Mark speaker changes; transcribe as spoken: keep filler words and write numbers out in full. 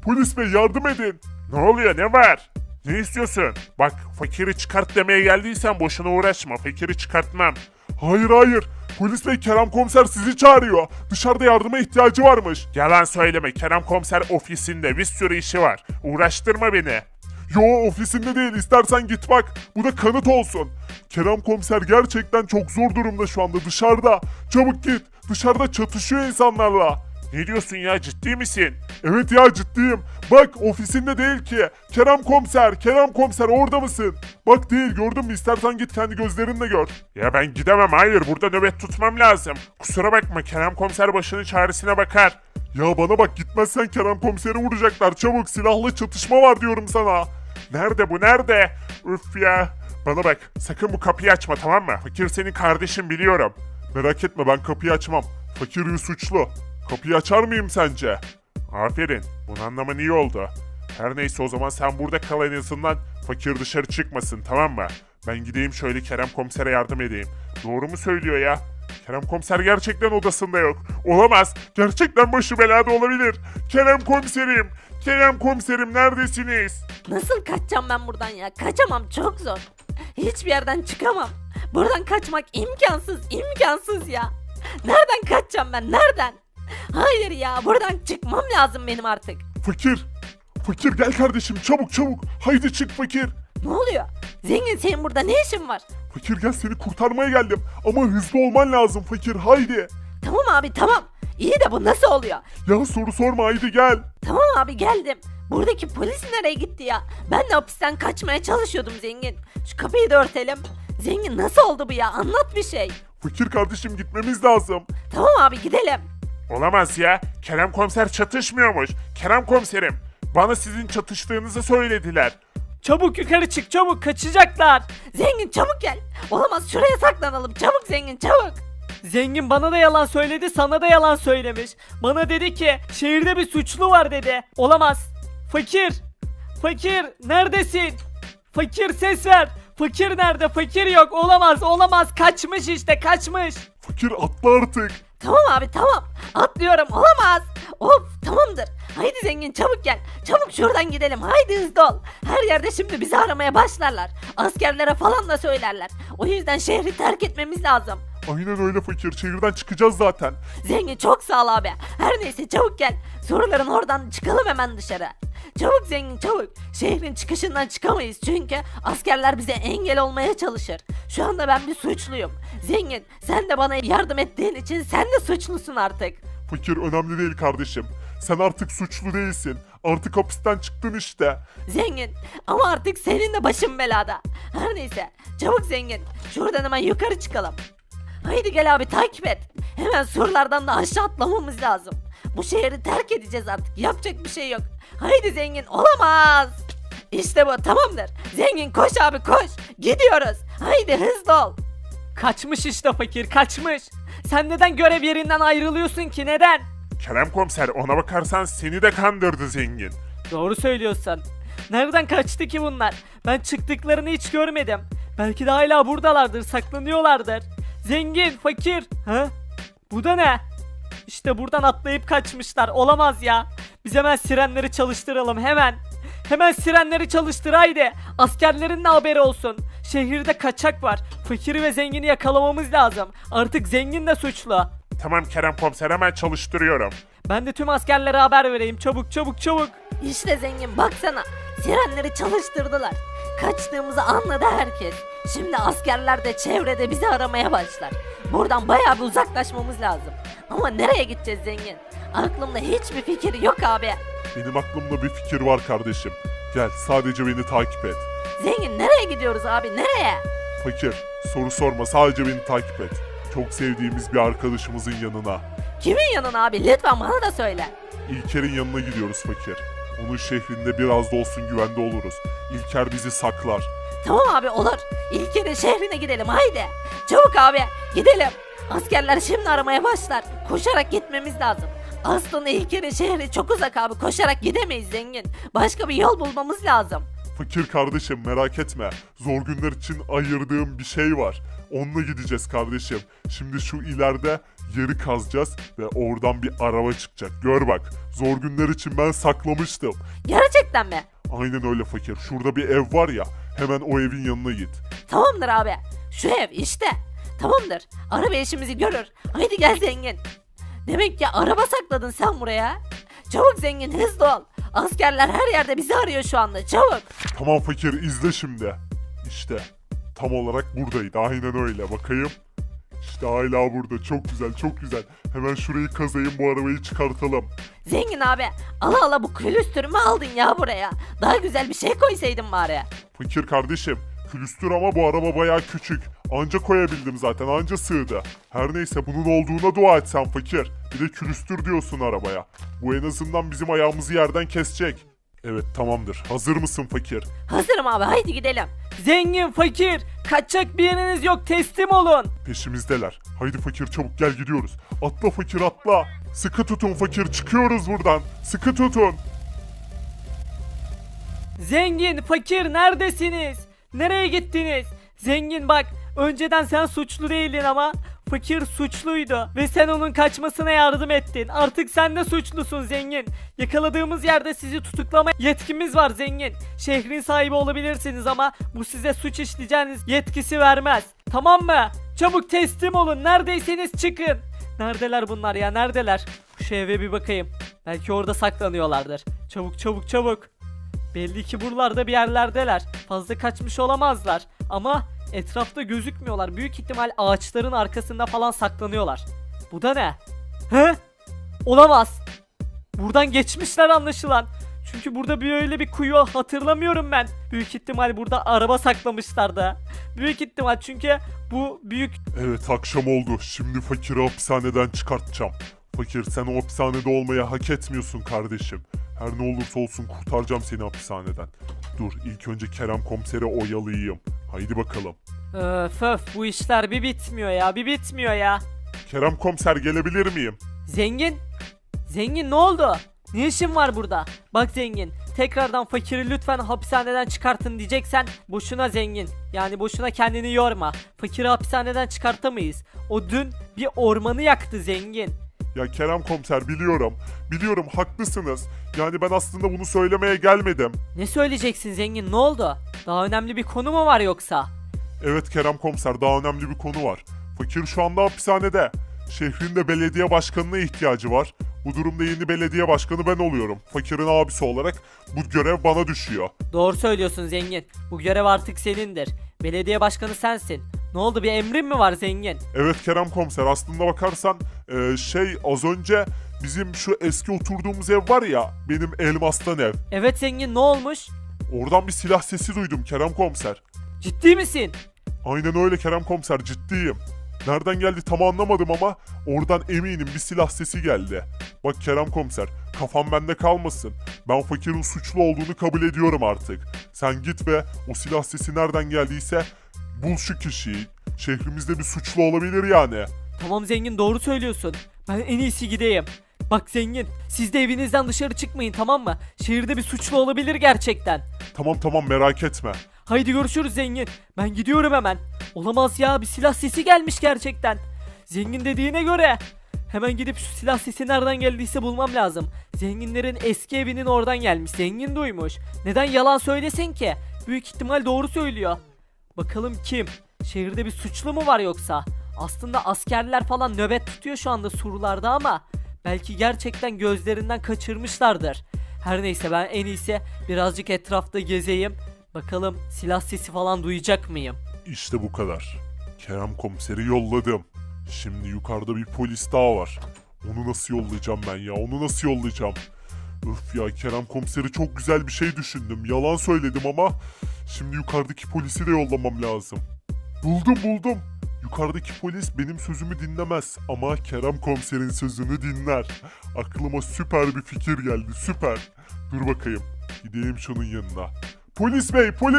Speaker 1: Polis bey yardım edin. Ne oluyor, ne var? Ne istiyorsun? Bak, fakiri çıkart demeye geldiysen boşuna uğraşma. Fakiri çıkartmam. Hayır hayır. Polis bey, Kerem komiser sizi çağırıyor. Dışarıda yardıma ihtiyacı varmış. Yalan söyleme. Kerem komiser ofisinde, bir sürü işi var. Uğraştırma beni. Yo, ofisinde değil, istersen git bak. Bu da kanıt olsun. Kerem komiser gerçekten çok zor durumda şu anda, dışarıda. Çabuk git. Dışarıda çatışıyor insanlarla. Ne diyorsun ya, ciddi misin? Evet ya, ciddiyim. Bak, ofisinde değil ki. Kerem komiser, Kerem komiser orada mısın? Bak değil, gördün mü? İstersen git kendi gözlerinle gör. Ya ben gidemem, hayır, burada nöbet tutmam lazım. Kusura bakma, Kerem komiser başının çaresine bakar. Ya bana bak, gitmezsen Kerem komiseri vuracaklar. Çabuk, silahlı çatışma var diyorum sana. Nerede bu, nerede? Üf ya. Bana bak, sakın bu kapıyı açma, tamam mı? Fakir senin kardeşin, biliyorum. Merak etme, ben kapıyı açmam. Fakir bir suçlu. Kapıyı açar mıyım sence? Aferin. Bunu anlaman iyi oldu. Her neyse, o zaman sen burada kal en azından. Fakir dışarı çıkmasın, tamam mı? Ben gideyim şöyle Kerem komisere yardım edeyim. Doğru mu söylüyor ya? Kerem komiser gerçekten odasında yok. Olamaz. Gerçekten başı belada olabilir. Kerem komiserim. Kerem komiserim, neredesiniz?
Speaker 2: Nasıl kaçacağım ben buradan ya? Kaçamam, çok zor. Hiçbir yerden çıkamam. Buradan kaçmak imkansız, imkansız ya. Nereden kaçacağım ben, nereden? Hayır ya, buradan çıkmam lazım benim artık.
Speaker 1: Fakir. Fakir gel kardeşim, çabuk çabuk. Haydi çık fakir.
Speaker 2: Ne oluyor? Zengin, senin burada ne işin var?
Speaker 1: Fakir gel, seni kurtarmaya geldim. Ama hızlı olman lazım fakir, haydi.
Speaker 2: Tamam abi, tamam. İyi de bu nasıl oluyor?
Speaker 1: Ya soru sorma, haydi gel.
Speaker 2: Tamam abi, geldim. Buradaki polis nereye gitti ya? Ben de hapisten kaçmaya çalışıyordum Zengin. Şu kapıyı da örtelim. Zengin, nasıl oldu bu ya? Anlat bir şey.
Speaker 1: Fakir kardeşim, gitmemiz lazım.
Speaker 2: Tamam abi, gidelim.
Speaker 1: Olamaz ya. Kerem komiser çatışmıyormuş. Kerem komiserim, bana sizin çatıştığınızı söylediler.
Speaker 3: Çabuk yukarı çık, çabuk, kaçacaklar.
Speaker 2: Zengin çabuk gel. Olamaz, şuraya saklanalım. Çabuk Zengin, çabuk.
Speaker 3: Zengin bana da yalan söyledi, sana da yalan söylemiş. Bana dedi ki şehirde bir suçlu var dedi. Olamaz. Fakir. Fakir neredesin? Fakir ses ver. Fakir nerede? Fakir yok. Olamaz, olamaz. Kaçmış işte, kaçmış.
Speaker 1: Fakir atla artık.
Speaker 2: Tamam abi, tamam. Atlıyorum, olamaz. Of, tamamdır. Haydi Zengin, çabuk gel. Çabuk şuradan gidelim. Haydi hızlı ol. Her yerde şimdi bizi aramaya başlarlar. Askerlere falan da söylerler. O yüzden şehri terk etmemiz lazım.
Speaker 1: Aynen öyle fakir, şehirden çıkacağız zaten.
Speaker 2: Zengin çok sağ ol abi. Her neyse, çabuk gel. Soruların oradan çıkalım hemen dışarı. Çabuk Zengin, çabuk. Şehrin çıkışından çıkamayız çünkü askerler bize engel olmaya çalışır. Şu anda ben bir suçluyum. Zengin, sen de bana yardım ettiğin için sen de suçlusun artık.
Speaker 1: Fakir önemli değil kardeşim. Sen artık suçlu değilsin. Artık hapisten çıktın işte.
Speaker 2: Zengin, ama artık senin de başın belada. Her neyse, çabuk Zengin. Şuradan hemen yukarı çıkalım. Haydi gel abi, takip et. Hemen surlardan da aşağı atlamamız lazım. Bu şehri terk edeceğiz artık. Yapacak bir şey yok. Haydi Zengin, olamaz. İşte bu, tamamdır. Zengin koş abi, koş. Gidiyoruz. Haydi hızlı ol.
Speaker 3: Kaçmış işte fakir, kaçmış. Sen neden görev yerinden ayrılıyorsun ki, neden?
Speaker 1: Kerem komiser, ona bakarsan seni de kandırdı zengin.
Speaker 3: Doğru söylüyorsun. Nereden kaçtı ki bunlar? Ben çıktıklarını hiç görmedim. Belki de hala buradalardır, saklanıyorlardır. Zengin, fakir. Ha? Bu da ne? İşte buradan atlayıp kaçmışlar. Olamaz ya. Biz hemen sirenleri çalıştıralım, hemen. Hemen sirenleri çalıştır haydi. Askerlerin de haberi olsun. Şehirde kaçak var. Fakiri ve zengini yakalamamız lazım. Artık zengin de suçlu.
Speaker 1: Tamam Kerem komiser, hemen çalıştırıyorum.
Speaker 3: Ben de tüm askerlere haber vereyim. Çabuk çabuk çabuk.
Speaker 2: İşte Zengin, baksana. Sirenleri çalıştırdılar. Kaçtığımızı anladı herkes. Şimdi askerler de çevrede bizi aramaya başlar. Buradan bayağı bir uzaklaşmamız lazım. Ama nereye gideceğiz Zengin? Aklımda hiçbir fikir yok abi.
Speaker 1: Benim aklımda bir fikir var kardeşim. Gel, sadece beni takip et.
Speaker 2: Zengin, nereye gidiyoruz abi, nereye?
Speaker 1: Fakir, soru sorma, sadece beni takip et. Çok sevdiğimiz bir arkadaşımızın yanına.
Speaker 2: Kimin yanına abi, lütfen bana da söyle.
Speaker 1: İlker'in yanına gidiyoruz fakir. Onun şehrinde biraz da olsun güvende oluruz. İlker bizi saklar.
Speaker 2: Tamam abi, olur. İlker'in şehrine gidelim, haydi. Çabuk abi, gidelim. Askerler şimdi aramaya başlar. Koşarak gitmemiz lazım. Aslında İlker'in şehri çok uzak abi. Koşarak gidemeyiz Zengin. Başka bir yol bulmamız lazım.
Speaker 1: Fakir kardeşim merak etme. Zor günler için ayırdığım bir şey var. Onunla gideceğiz kardeşim. Şimdi şu ileride yeri kazacağız ve oradan bir araba çıkacak. Gör bak. Zor günler için ben saklamıştım.
Speaker 2: Gerçekten mi?
Speaker 1: Aynen öyle fakir. Şurada bir ev var ya. Hemen o evin yanına git.
Speaker 2: Tamamdır abi. Şu ev işte. Tamamdır. Araba işimizi görür. Haydi gel zengin. Demek ki araba sakladın sen buraya. Çabuk zengin hızlı ol. Askerler her yerde bizi arıyor şu anda. Çabuk.
Speaker 1: Tamam fakir izle şimdi. İşte tam olarak buradaydı. Aynen öyle. Bakayım. İşte hala burada. Çok güzel, çok güzel. Hemen şurayı kazayım, bu arabayı çıkartalım.
Speaker 2: Zengin abi. Ala ala bu külüstürümü aldın ya buraya. Daha güzel bir şey koysaydın bari.
Speaker 1: Fakir kardeşim, külüstür ama bu araba bayağı küçük. Anca koyabildim zaten, anca sığdı. Her neyse bunun olduğuna dua et sen fakir. Bir de külüstür diyorsun arabaya. Bu en azından bizim ayağımızı yerden kesecek. Evet tamamdır. Hazır mısın fakir?
Speaker 2: Hazırım abi haydi gidelim.
Speaker 3: Zengin, fakir, kaçacak bir yeriniz yok, teslim olun.
Speaker 1: Peşimizdeler. Haydi fakir çabuk gel gidiyoruz. Atla fakir atla. Sıkı tutun fakir, çıkıyoruz buradan. Sıkı tutun.
Speaker 3: Zengin, fakir, neredesiniz? Nereye gittiniz? Zengin bak, önceden sen suçlu değildin ama fakir suçluydu ve sen onun kaçmasına yardım ettin. Artık sen de suçlusun zengin. Yakaladığımız yerde sizi tutuklama yetkimiz var zengin. Şehrin sahibi olabilirsiniz ama bu size suç işleyeceğiniz yetkisi vermez. Tamam mı? Çabuk teslim olun. Neredeyseniz çıkın. Neredeler bunlar ya? Neredeler? Şu eve bir bakayım. Belki orada saklanıyorlardır. Çabuk çabuk çabuk. Belli ki buralarda bir yerlerdeler. Fazla kaçmış olamazlar. Ama etrafta gözükmüyorlar. Büyük ihtimal ağaçların arkasında falan saklanıyorlar. Bu da ne? He? Olamaz. Buradan geçmişler anlaşılan. Çünkü burada bir öyle bir kuyu hatırlamıyorum ben. Büyük ihtimal burada araba saklamışlardı. Büyük ihtimal çünkü bu büyük...
Speaker 1: Evet akşam oldu. Şimdi fakiri hapishaneden çıkartacağım. Fakir sen o hapishanede olmayı hak etmiyorsun kardeşim. Her ne olursa olsun kurtaracağım seni hapishaneden. Dur ilk önce Kerem komiseri oyalayayım. Haydi bakalım.
Speaker 3: Öf öf bu işler bir bitmiyor ya, bir bitmiyor ya.
Speaker 1: Kerem komiser gelebilir miyim?
Speaker 3: Zengin? Zengin ne oldu? Ne işin var burada? Bak zengin, tekrardan fakiri lütfen hapishaneden çıkartın diyeceksen boşuna zengin. Yani boşuna kendini yorma. Fakiri hapishaneden çıkartamayız. O dün bir ormanı yaktı zengin.
Speaker 1: Ya Kerem komiser biliyorum. Biliyorum haklısınız. Yani ben aslında bunu söylemeye gelmedim.
Speaker 3: Ne söyleyeceksin zengin, ne oldu? Daha önemli bir konu mu var yoksa?
Speaker 1: Evet Kerem komiser daha önemli bir konu var. Fakir şu anda hapishanede. Şehrin de belediye başkanına ihtiyacı var. Bu durumda yeni belediye başkanı ben oluyorum. Fakirin abisi olarak bu görev bana düşüyor.
Speaker 3: Doğru söylüyorsun zengin. Bu görev artık senindir. Belediye başkanı sensin. Ne oldu, bir emrin mi var zengin?
Speaker 1: Evet Kerem komiser aslında bakarsan e, şey az önce bizim şu eski oturduğumuz ev var ya benim elmastan ev.
Speaker 3: Evet zengin, ne olmuş?
Speaker 1: Oradan bir silah sesi duydum Kerem komiser.
Speaker 3: Ciddi misin?
Speaker 1: Aynen öyle Kerem komiser ciddiyim. Nereden geldi tam anlamadım ama oradan eminim bir silah sesi geldi. Bak Kerem komiser kafam bende kalmasın. Ben fakirin suçlu olduğunu kabul ediyorum artık. Sen git ve o silah sesi nereden geldiyse bul şu kişiyi. Şehrimizde bir suçlu olabilir yani.
Speaker 3: Tamam zengin, doğru söylüyorsun. Ben en iyisi gideyim. Bak zengin, siz de evinizden dışarı çıkmayın, tamam mı? Şehirde bir suçlu olabilir gerçekten.
Speaker 1: Tamam tamam merak etme.
Speaker 3: Haydi görüşürüz zengin. Ben gidiyorum hemen. Olamaz ya, bir silah sesi gelmiş gerçekten. Zengin dediğine göre hemen gidip şu silah sesi nereden geldiyse bulmam lazım. Zenginlerin eski evinin oradan gelmiş. Zengin duymuş. Neden yalan söylesin ki? Büyük ihtimal doğru söylüyor. Bakalım kim? Şehirde bir suçlu mu var yoksa? Aslında askerler falan nöbet tutuyor şu anda surlarda ama belki gerçekten gözlerinden kaçırmışlardır. Her neyse ben en iyisi birazcık etrafta gezeyim. Bakalım silah sesi falan duyacak mıyım?
Speaker 1: İşte bu kadar. Kerem komiseri yolladım. Şimdi yukarıda bir polis daha var. Onu nasıl yollayacağım ben ya? Onu nasıl yollayacağım? Öf ya Kerem komiseri çok güzel bir şey düşündüm. Yalan söyledim ama şimdi yukarıdaki polisi de yollamam lazım. Buldum buldum. Yukarıdaki polis benim sözümü dinlemez ama Kerem komiserin sözünü dinler. Aklıma süper bir fikir geldi, süper. Dur bakayım. Gideyim şunun yanına. Polis bey, polis